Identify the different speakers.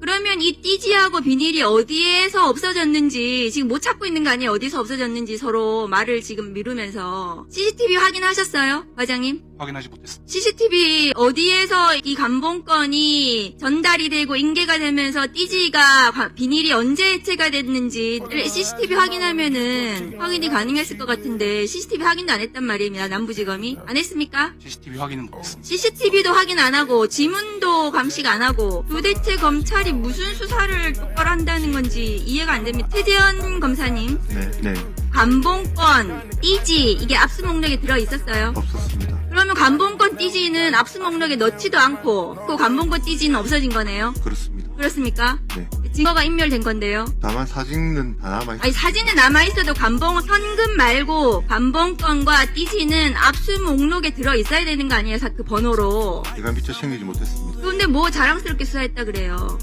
Speaker 1: 그러면 이 띠지하고 비닐이 어디에서 없어졌는지 지금 못 찾고 있는 거 아니에요? 어디서 없어졌는지 서로 말을 지금 미루면서. CCTV 확인하셨어요? 과장님?
Speaker 2: 확인하지 못했습니다.
Speaker 1: CCTV 어디에서 이 감봉건이 전달이 되고 인계가 되면서 띠지가 비닐이 언제 해체가 됐는지 CCTV 확인하면은 확인이 가능했을 것 같은데 CCTV 확인도 안 했단 말입니다. 남부지검이. 안 했습니까?
Speaker 2: CCTV 확인은 못했습니다.
Speaker 1: CCTV도 확인 안 하고 지문도 감식 안 하고 도대체 검찰이 무슨 수사를 똑바로 한다는 건지 이해가 안 됩니다. 최재현 검사님,
Speaker 3: 네.
Speaker 1: 감봉건, 띠지 이게 압수 목록에 들어 있었어요?
Speaker 3: 없었습니다.
Speaker 1: 그러면 감봉건 띠지는 압수 목록에 넣지도 않고 그 감봉건 띠지는 없어진 거네요?
Speaker 3: 그렇습니다.
Speaker 1: 그렇습니까?
Speaker 3: 네.
Speaker 1: 증거가 인멸된 건데요.
Speaker 3: 다만 사진은 다 남아있습니다.
Speaker 1: 아니 사진은 남아있어도 현금 말고 감봉건과 띠지는 압수 목록에 들어 있어야 되는 거 아니에요? 그 번호로.
Speaker 3: 제가 미처 챙기지 못했습니다.
Speaker 1: 그런데 뭐 자랑스럽게 수사했다 그래요.